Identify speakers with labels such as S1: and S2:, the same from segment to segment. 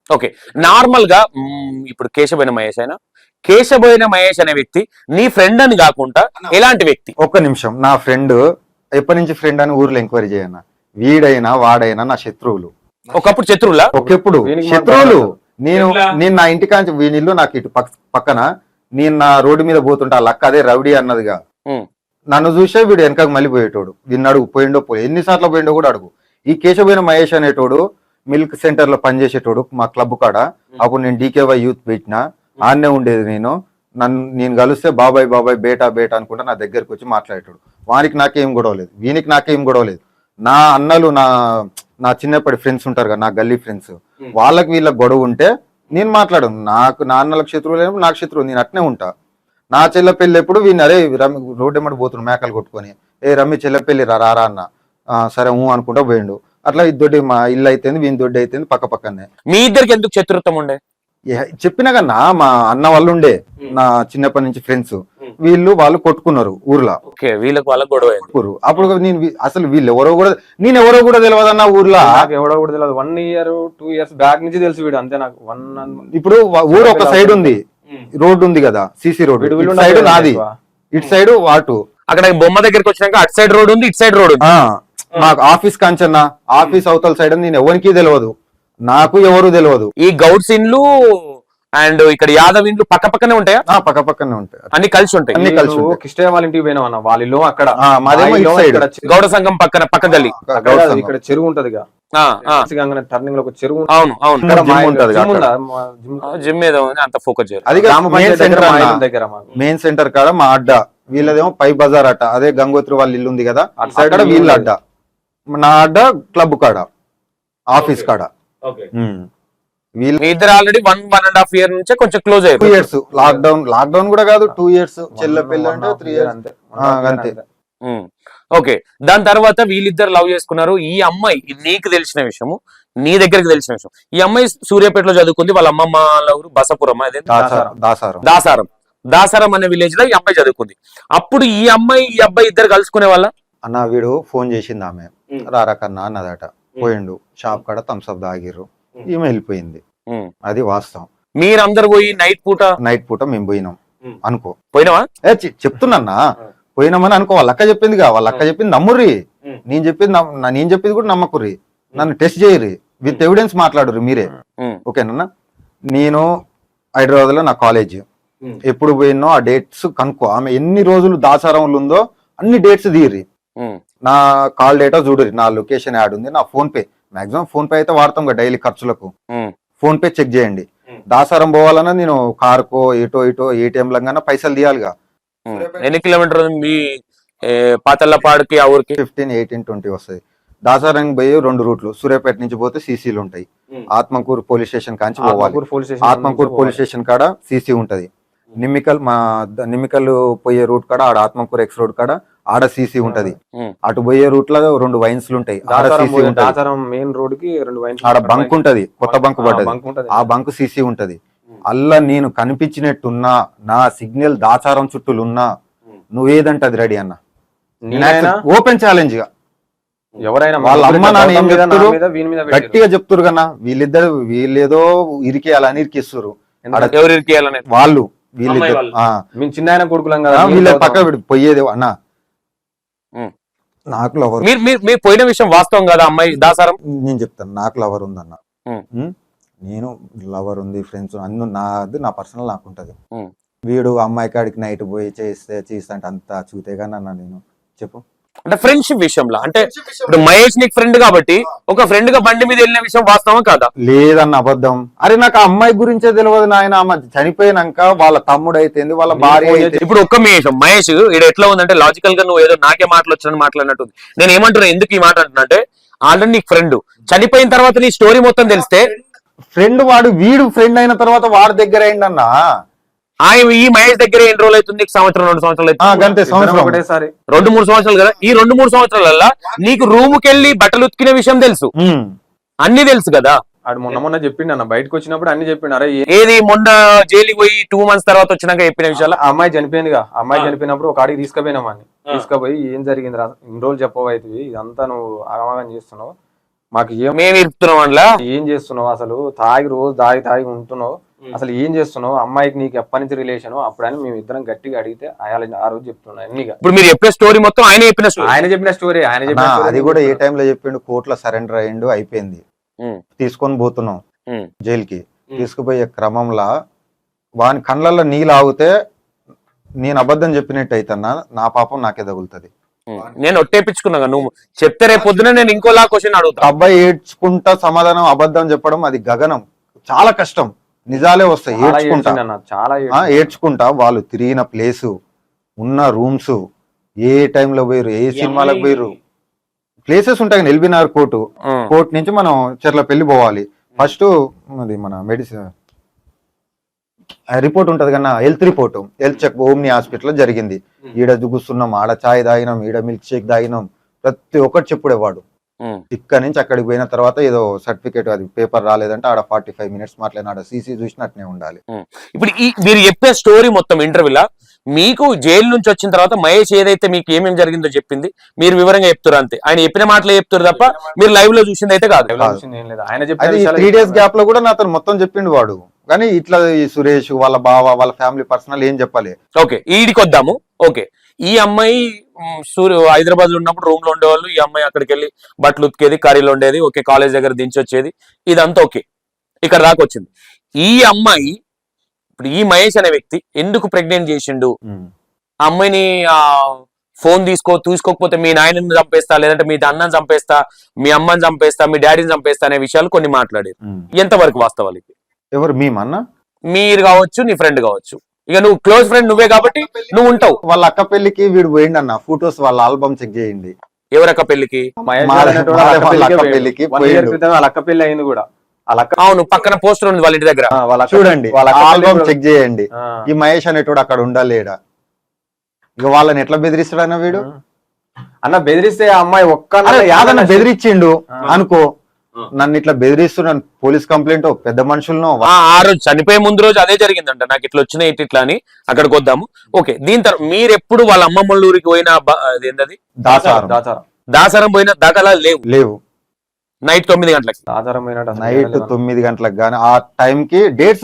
S1: Okay. Normal గా ఇప్పుడు కేశబోయిన మహేష్ అయినా, కేశబోయిన మహేష్ అనే వ్యక్తి నీ ఫ్రెండ్ అని కాకుండా ఎలాంటి వ్యక్తి?
S2: ఒక్క నిమిషం, నా ఫ్రెండ్ ఎప్పటి నుంచి ఫ్రెండ్ అని ఊర్లో ఎంక్వైరీ చేయన్నా. వీడైనా వాడైనా నా శత్రువులు.
S1: ఒకప్పుడు శత్రువులా?
S2: ఒకెప్పుడు శత్రువులు. నేను నా ఇంటికాంచి వీనిల్లు నాకు ఇటు పక్కన, నేను నా రోడ్డు మీద పోతుంటా లక్క అదే రౌడీ అన్నదిగా. నన్ను చూసే వీడు వెనకకు మళ్ళీ పోయేటోడు. వీడిని అడుగు పోయిండో ఎన్నిసార్లు పోయిండో కూడా అడుగు. ఈ కేశబోయిన మహేష్ అనేటోడు మిల్క్ సెంటర్ లో పనిచేసేటోడు మా క్లబ్ కాడ. అప్పుడు నేను డీకేవై యూత్ పెట్టినా, ఆన్నే ఉండేది. నేను కలిస్తే బాబాయ్ బాబాయ్ బేటా బేటా అనుకుంటా నా దగ్గరకు వచ్చి మాట్లాడేటోడు. వానికి నాకేం గొడవలేదు, వీనికి నాకేం గొడవలేదు. నా అన్నలు నా చిన్నప్పటి ఫ్రెండ్స్ ఉంటారు కదా, నా గల్లీ ఫ్రెండ్స్, వాళ్ళకి వీళ్ళకి గొడవ ఉంటే నేను మాట్లాడను. నా అన్నలకు శత్రువులు ఏమో నాకు శత్రువు, నేను అట్నే ఉంటా. నా చెల్ల పెళ్లి ఎప్పుడు వీని అరే రోడ్డు ఎమ్మడి పోతున్నాడు మేకలు కొట్టుకొని, ఏ రమ్మి చెల్ల పెళ్లి రారా అన్న, సరే అనుకుంటా పోయిండు. అట్లా ఇద్దొడ్డి మా ఇల్లు అయితేంది, వీని దొడ్డి అయితేంది పక్క పక్కనే.
S1: మీ ఇద్దరికి ఎందుకు శత్రుత్వం ఉండే?
S2: చెప్పినా కన్నా మా అన్న వాళ్ళు ఉండే, నా చిన్నప్పటి నుంచి ఫ్రెండ్స్, వాళ్ళు కొట్టుకున్నారు ఊర్లో.
S1: వీళ్ళకి వాళ్ళకి గొడవ
S2: అప్పుడు నేను అసలు వీళ్ళు ఎవరో కూడా ఎవరో కూడా తెలియదు అన్న ఊర్లో.
S3: ఎవరో కూడా తెలియదు. 1 year 2 years బ్యాక్ నుంచి తెలుసు వీడు అంతే నాకు.
S2: ఇప్పుడు ఊరు ఒక సైడ్ ఉంది, రోడ్డు ఉంది కదా, సిసి రోడ్. ఇటు సైడ్ నాది, ఇటు సైడ్ వాటు.
S1: అక్కడ బొమ్మ దగ్గరికి వచ్చినాక అటు సైడ్ రోడ్ ఉంది, ఇటు సైడ్ రోడ్ ఉంది.
S2: మాకు ఆఫీస్ కాంచన్నా, ఆఫీస్ అవతల సైడ్ నేను ఎవరికి తెలియదు, నాకు ఎవరు తెలియదు.
S1: ఈ గౌడ్స్ ఇండ్లు అండ్ ఇక్కడ యాదవ్ ఇండ్లు పక్క పక్కనే ఉంటాయా?
S2: పక్క పక్కనే ఉంటాయి,
S1: అన్ని కలిసి ఉంటాయి.
S3: అన్ని కలిసి. కిష్టయ్య వాళ్ళ ఇంటికి పోయినా అన్న, వాళ్ళ ఇల్లు అక్కడ,
S1: గౌడ సంఘం పక్క గల్లీ.
S3: ఇక్కడ చెరువు ఉంటది టర్నింగ్ లో ఒక చెరువు.
S1: అవును అవును, జిమ్ ఏదో అంత ఫోకస్ చేయాలి.
S2: అది మెయిన్ సెంటర్ కాడ మా అడ్డ, వీళ్ళదేమో పై బజార్ అడ్డ, అదే గంగోత్రి వాళ్ళ ఇల్లు ఉంది కదా అటు సైడ్ వీళ్ళ అడ్డ, నా అడ్డ క్లబ్ కాడ, ఆఫీస్ కాడ.
S1: ఇద్దరు ఆల్రెడీ 1.5 years నుంచే కొంచెం క్లోజ్ అయ్యారు.
S2: 2 years లాక్డౌన్ కూడా కాదు, 2 years చెల్ల పెళ్ళి అంటే 3 years అంతే.
S1: ఓకే, దాని తర్వాత వీళ్ళిద్దరు లవ్ చేసుకున్నారు. ఈ అమ్మాయి నీకు తెలిసిన విషయము, నీ దగ్గరికి తెలిసిన విషయం, ఈ అమ్మాయి సూర్యాపేటలో చదువుకుంది. వాళ్ళ అమ్మమ్మ ఊరు బసపురం, అదే దాసారం అనే విలేజ్ లో ఈ అమ్మాయి చదువుకుంది. అప్పుడు ఈ అమ్మాయి ఈ అబ్బాయి ఇద్దరు కలుసుకునే వాళ్ళ.
S2: అన్న వీడు ఫోన్ చేసింది ఆమె, రారాకన్నా అన్నదట. పోయిండు షాప్ కాడ థమ్స్అప్ తాగిర్రు, ఈమె వెళ్ళిపోయింది. అది వాస్తవం.
S1: మీరందరు పోయి నైట్ పూట
S2: మేము పోయినాం అనుకో.
S1: పోయినావా?
S2: చెప్తున్నా పోయినామని అనుకో. వాళ్ళ అక్క చెప్పిందిగా, వాళ్ళ అక్క చెప్పింది నమ్ముర్రి, నేను చెప్పింది కూడా నమ్మకుర్రి, నన్ను టెస్ట్ చేయరు, విత్ ఎవిడెన్స్ మాట్లాడుర్రి మీరే. ఓకేనా? నేను హైదరాబాద్ లో నా కాలేజ్ ఎప్పుడు పోయినో ఆ డేట్స్ కనుక్కో. ఆమె ఎన్ని రోజులు దాసారంలో ఉందో అన్ని డేట్స్ తీయరి, నా కాల్ డేటా చూడరి, నా లొకేషన్ యాడ్ ఉంది, నా PhonePe, maximum PhonePe అయితే వాడతాం కదా డైలీ ఖర్చులకు. ఫోన్ పే చెక్ చేయండి. దాసారం పోవాలన్నా నేను కార్కో ఇటో ఏటీఎం లంగా పైసలు తీయాలిగా.
S1: ఎన్ని కిలోమీటర్ మీ పాతల్లపాడుకి ఆ ఊరికి?
S2: 15, 18, 20 వస్తుంది. దాసారం పోయి 2 రూట్లు. సూర్యాపేట నుంచి పోతే సీసీలు ఉంటాయి. ఆత్మకూరు పోలీస్ స్టేషన్ కాంచి పోవాలి. ఆత్మకూరు పోలీస్ స్టేషన్ కాడ సీసీ ఉంటది. నిమ్మికల్ పోయే రూట్ కాడ ఆడ ఆత్మకూరు ఎక్స్ రోడ్ కాడ ఆడ సీసీ ఉంటది. అటు పోయే రూట్ లో 2 వైన్స్లు ఉంటాయి, ఆడ సీసీ ఉంటది.
S3: మెయిన్ రోడ్ కి 2 వైన్స్,
S2: ఆడ బంక్ ఉంటది, కొత్త బంక్ పడ్డది, ఆ బంక్ సీసీ ఉంటది. అల్లా నేను కనిపించినట్టున్నా, నా సిగ్నల్ దాచారం చుట్టూలున్నా, నువ్వేదంటది రెడీ అన్న. ఓపెన్ ఛాలెంజ్ గా
S3: ఎవరైనా
S2: వాళ్ళ అమ్మ నాన్న ఏం చెప్తారు గట్టిగా చెప్తారు కన్నా, వీళ్ళేదో ఇరికేయాలని ఇరికిస్తారు. వాళ్ళు
S3: చిన్న కొడుకులం కదా,
S2: వీళ్ళ పక్క పోయేది అన్న. నాకు లవర్,
S1: మీరు పోయిన విషయం వాస్తవం కదా అమ్మాయి దాసారం?
S2: నేను చెప్తాను, నాకు లవర్ ఉందన్న. నేను లవర్ ఉంది, ఫ్రెండ్స్ అన్ని నా పర్సనల్ నాకు ఉంటది. వీడు అమ్మాయి కాడికి నైట్ పోయి చేస్తా అంటే అంత చూతేగా నన్న. నేను చెప్పు
S1: అంటే ఫ్రెండ్షిప్ విషయంలో, అంటే ఇప్పుడు మహేష్ నీకు ఫ్రెండ్ కాబట్టి ఒక ఫ్రెండ్ గా బండి మీద వెళ్ళిన విషయం వాస్తవం కాదా?
S2: లేదన్న, అబద్ధం. అరే నాకు ఆ అమ్మాయి గురించే తెలియదు నాయన. చనిపోయినాక వాళ్ళ తమ్ముడు అయితే, వాళ్ళ భార్య అయితే.
S1: ఇప్పుడు ఒక్క మహేష్ ఇక్కడ ఎట్లా ఉందంటే, లాజికల్ గా నువ్వు ఏదో నాకే మాటలు వచ్చానని మాట్లాడినట్టుంది. నేను ఏమంటున్నా, ఎందుకు ఈ మాట అంటున్నా అంటే, ఆల్రెడీ నీకు ఫ్రెండ్ చనిపోయిన తర్వాత నీ స్టోరీ మొత్తం తెలిస్తే,
S2: ఫ్రెండ్ వీడు ఫ్రెండ్ అయిన తర్వాత వాడి దగ్గర అయిందన్నా.
S1: ఈ మహేష్ దగ్గర ఎన్ని రోజులు అవుతుంది? 1 సంవత్సరం 2 సంవత్సరాలు
S3: ఒకటేసారి
S1: 2-3 సంవత్సరాలు కదా. ఈ 2-3 సంవత్సరాల నీకు రూమ్ కెళ్ళి బట్టలు ఉతికిన విషయం తెలుసు, అన్ని తెలుసు కదా.
S3: మొన్న చెప్పిండు అన్న, బయటకు వచ్చినప్పుడు అన్ని చెప్పిండు. అరే
S1: ఏది మొన్న జైలుకి పోయి 2 months తర్వాత వచ్చినాక చెప్పిన విషయాలు.
S3: అమ్మాయి చనిపోయిందిగా, అమ్మాయి చనిపోయినప్పుడు ఒక ఆడికి తీసుకుపోయినామని, తీసుకుపోయి ఏం జరిగింది రా, ఇన్ని రోజులు చెప్పవైతే ఇదంతా నువ్వు ఆగమాగం చేస్తున్నావు, మాకు
S1: మేము ఇరుపుతున్నాం అందులో.
S3: ఏం చేస్తున్నావు అసలు, రోజు తాగి ఉంటున్నావు, అసలు ఏం చేస్తున్నావు, అమ్మాయికి నీకు ఎప్పటి నుంచి రిలేషన్ అప్పుడని మేము ఇద్దరం గట్టిగా అడిగితే ఆ రోజు చెప్తున్నా అన్నిగా.
S1: ఇప్పుడు మీరు చెప్పే స్టోరీ మొత్తం ఆయన చెప్పిన స్టోరీ.
S3: ఆయన చెప్పిన స్టోరీ
S2: అది కూడా ఏ టైంలో చెప్పిండు, కోర్టులో సరెండర్ అయ్యిండు, అయిపోయింది. తీసుకొని పోతున్నాం జైలుకి. తీసుకుపోయే క్రమంలో వాని కళ్ళల్లో నీళ్ళు ఆగితే నేను అబద్ధం చెప్పినట్టు అయితన్నా, నా పాపం నాకే తగులుతుంది.
S1: నేను ఒట్టేపించుకున్నా, నువ్వు చెప్తే రేపు పొద్దున నేను ఇంకోలా క్వశ్చన్ అడుగుతా.
S2: అబ్బాయి ఏడ్చుకుంటా సమాధానం అబద్ధం చెప్పడం అది గగనం, చాలా కష్టం. నిజాలే వస్తాయి ఏడ్చుకుంటా. వాళ్ళు తిరిగిన ప్లేసు, ఉన్న రూమ్స్, ఏ టైంలో పోయారు, ఏ సినిమాలకు పోయారు, ప్లేసెస్ ఉంటాయి. ఎల్బీనగర్ కోర్టు నుంచి మనం చెర్లపల్లి పోవాలి. ఫస్ట్ అది మన మెడిసిన్ రిపోర్ట్ ఉంటది కన్నా, health report, health check Omni hospital జరిగింది. ఈడ దుగుస్తున్నాం, ఆడ చాయ్ తాగినాం, ఈడ మిల్క్ షేక్ తాగినాం, ప్రతి ఒక్కటి చెప్పుడేవాడు. ఇక్కడ నుంచి అక్కడికి పోయిన తర్వాత ఏదో సర్టిఫికేట్ అది పేపర్ రాలేదంటే ఆడ 45 minutes మాట్లాడిన, ఆడ సీసీ చూసినట్టునే ఉండాలి.
S1: ఇప్పుడు మీరు చెప్పే స్టోరీ మొత్తం ఇంటర్వ్యూలా మీకు జైలు నుంచి వచ్చిన తర్వాత మహేష్ ఏదైతే మీకు ఏమేమి జరిగిందో చెప్పింది మీరు వివరంగా చెప్తారు అంతే. ఆయన చెప్పిన మాటలే చెప్తారు తప్ప మీరు లైవ్ లో చూసింది అయితే కాదు.
S2: 3 days గ్యాప్ లో కూడా నాతో మొత్తం చెప్పిండు వాడు. కానీ ఇట్లా ఈ సురేష్ వాళ్ళ బావ వాళ్ళ ఫ్యామిలీ పర్సనల్ ఏం చెప్పాలి.
S1: ఓకే, ఈడికి వద్దాము. ఓకే, ఈ అమ్మాయి హైదరాబాద్ లో ఉన్నప్పుడు రూమ్ లో ఉండేవాళ్ళు, ఈ అమ్మాయి అక్కడికి వెళ్ళి బట్టలు ఉతికేది, కర్రీలు ఉండేది, ఓకే, కాలేజ్ దగ్గర దించొచ్చేది, ఇదంతా ఓకే, ఇక్కడ దాకా వచ్చింది. ఈ అమ్మాయి ఇప్పుడు ఈ మహేష్ అనే వ్యక్తి ఎందుకు ప్రెగ్నెంట్ చేసిండు, ఆ అమ్మాయిని ఫోన్ తీసుకోకపోతే మీ నాయనని చంపేస్తా, లేదంటే మీ అన్నని చంపేస్తా, మీ అమ్మని చంపేస్తా, మీ డాడీని చంపేస్తా అనే విషయాలు కొన్ని మాట్లాడారు. ఎంతవరకు వాస్తవాలు?
S2: ఎవరు మేమన్నా?
S1: మీరు కావచ్చు, నీ ఫ్రెండ్ కావచ్చు, ఇక నువ్వు క్లోజ్ ఫ్రెండ్ నువ్వే కాబట్టి నువ్వు ఉంటావు.
S2: వాళ్ళ అక్క పెళ్లికి వీడు పోయిండు అన్న, ఫొటోస్ వాళ్ళ ఆల్బమ్ చెక్ చేయండి.
S1: ఎవరక్క పెళ్లికి?
S3: అక్క పెళ్లి అయింది కూడా.
S1: అవును, పక్కన పోస్టర్ ఉంది వాళ్ళ ఇంటి దగ్గర,
S2: చూడండి, ఆల్బమ్ చెక్ చేయండి. ఈ మహేష్ అనేటోడు అక్కడ ఉండాలేడా? ఇక వాళ్ళని ఎట్లా బెదిరిస్తాడన్న వీడు?
S3: అన్న బెదిరిస్తే ఆ అమ్మాయి
S2: యాదన్న బెదిరించిండు అనుకో, నన్ను ఇట్లా బెదిరిస్తున్నాను, పోలీస్ కంప్లైంట్ పెద్ద మనుషులను.
S1: ఆ రోజు చనిపోయే ముందు రోజు అదే జరిగిందంట, నాకు ఇట్లా వచ్చినాయి ఇట్లా అని. అక్కడికి వద్దాము. ఓకే, దీని తర్వాత మీరు ఎప్పుడు వాళ్ళ అమ్మమ్మ ఊరికి పోయిన ఏంటది దాసారం పోయిన దాఖలాలు
S2: లేవు.
S1: నైట్ 9 గంటలకు
S2: నైట్ 9 గంటలకు గానీ ఆ టైం కి డేట్స్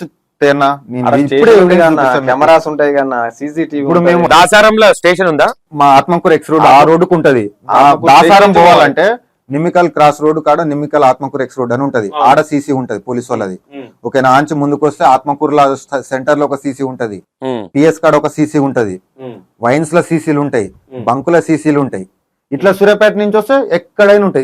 S3: కెమెరాస్ ఉంటాయి కన్నా, సీసీటీవీ.
S2: ఇప్పుడు మేము
S1: దాసారంలో స్టేషన్ ఉందా?
S2: మా ఆత్మకూరు ఎక్స్ రోడ్ ఆ రోడ్డుకు ఉంటది. దాసారం పోవాలంటే నిమ్మికల్ క్రాస్ రోడ్ కాడ నిమ్మికల్ ఆత్మకూరు ఎక్స్ రోడ్ అని ఉంటది, ఆడ సీసీ ఉంటది పోలీసు వాళ్ళది. ఓకేనా? ఆంచి ముందుకు వస్తే ఆత్మకూరులో సెంటర్ లో ఒక సీసీ ఉంటది, పిఎస్ కాడ ఒక సీసీ ఉంటది, వైన్స్ లో సీసీలు ఉంటాయి, బంకుల సీసీలు ఉంటాయి. ఇట్లా సూర్యాపేట నుంచి వస్తే ఎక్కడైనా ఉంటాయి.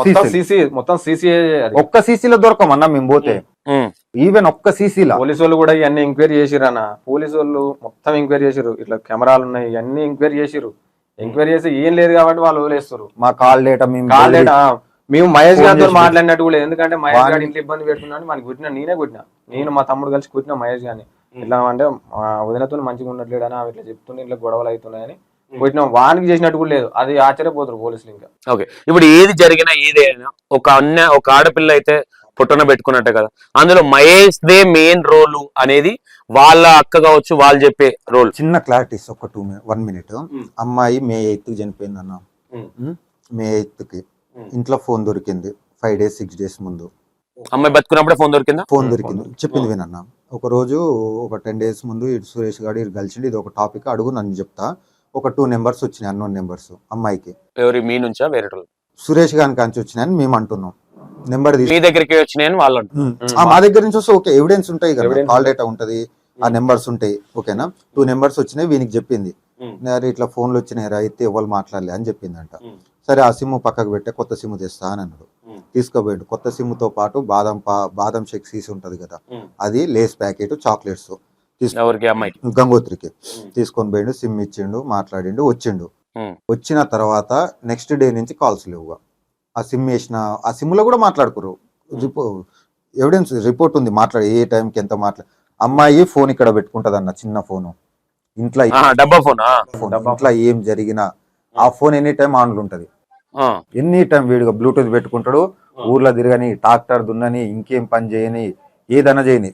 S2: ఒక్క సీసీలో దొరకమన్నా మేము పోతే, ఈవెన్ ఒక్క సీసీలో.
S3: పోలీసు వాళ్ళు కూడా ఇవన్నీ ఎంక్వైరీ చేసిరు అన్న, పోలీసు వాళ్ళు మొత్తం ఎంక్వైరీ చేసిరు, ఇట్లా కెమెరాలు ఉన్నాయి ఇవన్నీ ఎంక్వైరీ చేసిరు. ఎంక్వైరీ చేసి ఏం లేదు కాబట్టి వాళ్ళు వదిలేస్తారు.
S2: మా కాల్ డేటా
S3: మేము మహేష్ గారితో మాట్లాడినట్టు కూడా, ఎందుకంటే మహేష్ గారి ఇంట్లో ఇబ్బంది పెడుతున్నాను మనకి కొట్టినా, నేను మా తమ్ముడు కలిసి కొట్టిన మహేష్ గారిని. ఇట్లా అంటే వదినతో మంచిగా ఉన్నట్లేడు అని ఇట్లా చెప్తుండే, ఇట్లా గొడవలు అవుతున్నాయని కొట్టినాం. వానికి చేసినట్టు కూడా లేదు, అది ఆశ్చర్యపోతారు పోలీసులు. ఇంకా
S1: ఓకే, ఇప్పుడు ఏది జరిగినా ఏదైనా ఒక ఆడపిల్ల అయితే పుట్టన పెట్టుకున్నట్టే కదా, అందులో మహేష్ దే మెయిన్ రోల్ అనేది వాళ్ళ అక్క కావచ్చు, వాళ్ళు చెప్పే రోల్.
S2: చిన్న క్లారిటీస్ ఒక 1 minute. అమ్మాయి May 8th చనిపోయింది అన్న. May 8th ఇంట్లో ఫోన్ దొరికింది 5 days 6 days ముందు.
S1: అమ్మాయి బతుకున్నప్పుడే ఫోన్ దొరికిందా?
S2: ఫోన్ దొరికింది, చెప్పింది వినన్న. ఒక రోజు ఒక 10 days ముందు ఇటు సురేష్ గారు ఇటు కలిసిండి, ఇది ఒక టాపిక్ అడుగు నన్ను చెప్తా. ఒక 2 numbers వచ్చినాయి, అన్నోన్ నెంబర్స్ అమ్మాయికి.
S1: ఎవరి మీ నుంచా వేరే
S2: సురేష్ గారికి కాంచి వచ్చినాయని మేము అంటున్నాం. నెంబర్
S1: మీ దగ్గరికి వచ్చినాయని వాళ్ళు
S2: మా దగ్గర నుంచి వస్తే ఓకే, ఎవిడెన్స్ ఉంటాయి కదా, కాల్ డేటా ఉంటది, ఆ నెంబర్స్ ఉంటాయి. ఓకేనా? 2 numbers వచ్చినాయి, వీనికి చెప్పింది ఇట్లా ఫోన్లు వచ్చినాయి రా, అయితే ఎవరు మాట్లాడలే అని చెప్పిందంట. సరే ఆ సిమ్ పక్కకు పెట్టే కొత్త సిమ్ తెస్తా అని అన్నాడు. తీసుకోబోయాడు. కొత్త సిమ్ తో పాటు బాదం షేక్ సీస్ ఉంటది కదా, అది లేస్ ప్యాకెట్, చాక్లెట్స్ గంగోత్రికి తీసుకొని పోయిండు. సిమ్ ఇచ్చిండు, మాట్లాడిండు, వచ్చిండు. వచ్చిన తర్వాత నెక్స్ట్ డే నుంచి కాల్స్ లేవుగా. ఆ సిమ్ వేసిన ఆ సిమ్ లో కూడా మాట్లాడుకోరు, ఎవిడెన్స్ రిపోర్ట్ ఉంది, మాట్లాడి ఏ టైంకి ఎంత అమ్మాయి ఫోన్ ఇక్కడ పెట్టుకుంటది అన్న, చిన్న ఫోను, ఇంట్లో
S1: డబ్బా ఫోన్.
S2: ఇంట్లో ఏం జరిగినా ఆ ఫోన్ ఎనీ టైం ఆన్లో ఉంటది. ఎనీ టైం వీడిగా బ్లూటూత్ పెట్టుకుంటాడు, ఊర్లో తిరగని, ట్రాక్టర్ దున్నని, ఇంకేం పని చేయని, ఏదైనా చేయని.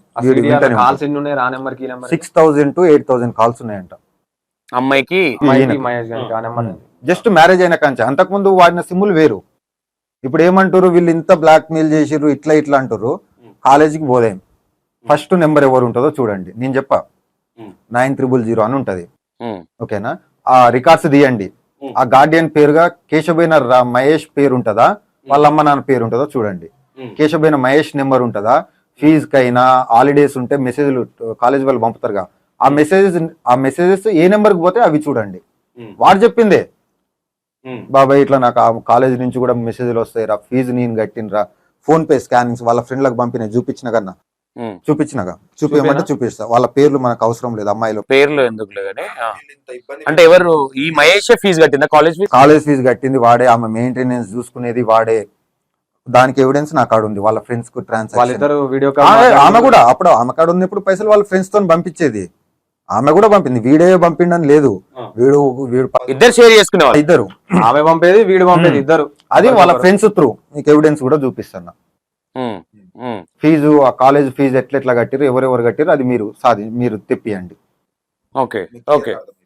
S2: 6,000 to 8,000 కాల్స్ ఉన్నాయంట
S1: అమ్మాయికి.
S2: జస్ట్ మ్యారేజ్ అయిన కాంచి. అంతకుముందు వాడిన సిమ్ములు వేరు. ఇప్పుడు ఏమంటారు వీళ్ళు ఇంత బ్లాక్ మెయిల్ చేసిర్రు ఇట్లా ఇట్లా అంటారు. కాలేజీకి పోదేం, ఫస్ట్ నెంబర్ ఎవరు ఉంటుందో చూడండి. నేను చెప్పా 9000 అని ఉంటది, ఓకేనా? ఆ రికార్డ్స్ తీయండి. ఆ గార్డియన్ పేరుగా కేశబైన మహేష్ పేరు ఉంటుందా, వాళ్ళ అమ్మ నాన్న పేరు ఉంటుందో చూడండి. కేశబైన మహేష్ నెంబర్ ఉంటుందా, ఫీజుకైనా హాలిడేస్ ఉంటే మెసేజ్లు కాలేజ్ వాళ్ళు పంపుతారుగా, ఆ మెసేజెస్ ఏ నెంబర్కి పోతే అవి చూడండి. వాడు చెప్పిందే, బాబాయ్ ఇట్లా నాకు ఆ కాలేజ్ నుంచి కూడా మెసేజ్లు వస్తాయి రా, ఫీజు నేను కట్టినరా, ఫోన్ పే స్కానింగ్స్ వాళ్ళ ఫ్రెండ్లకు పంపిన చూపించిన కన్నా చూపించమంటే చూపిస్తా. వాళ్ళ పేర్లు మనకు అవసరం లేదు, అమ్మాయిలు
S1: పేర్లు ఎందుకులే గానీ అంటే ఎవరు ఈ మహేష్ ఫీజు కట్టిందా కాలేజ్ ఫీజు?
S2: కాలేజ్ ఫీజు కట్టింది వాడే, ఆమె మెయింటెనెన్స్ చూసుకునేది వాడే. దానికి ఎవిడెన్స్ నా కాడ ఉంది, వాళ్ళ ఫ్రెండ్స్ కు ట్రాన్సాక్షన్.
S3: వాళ్ళిద్దరు వీడియో
S2: ఆమె కూడా అప్పుడు ఆమె కాడ ఉన్నప్పుడు పైసలు వాళ్ళ ఫ్రెండ్స్ తో పంపించేది. ఆమె కూడా పంపింది, వీడే పంపిండని లేదు, వీడు
S1: ఇద్దరు షేర్ చేసుకునేవాళ్ళు.
S2: ఇద్దరు,
S3: ఆమె పంపేది వీడు పంపేది ఇద్దరు.
S2: అది వాళ్ళ ఫ్రెండ్స్ త్రూ మీకు ఎవిడెన్స్ కూడా చూపిస్తున్నా. ఫీజు ఆ కాలేజ్ ఫీజు ఎట్లా కట్టిరు, ఎవరెవరు కట్టిరు అది మీరు తెప్పియండి.
S1: Okay okay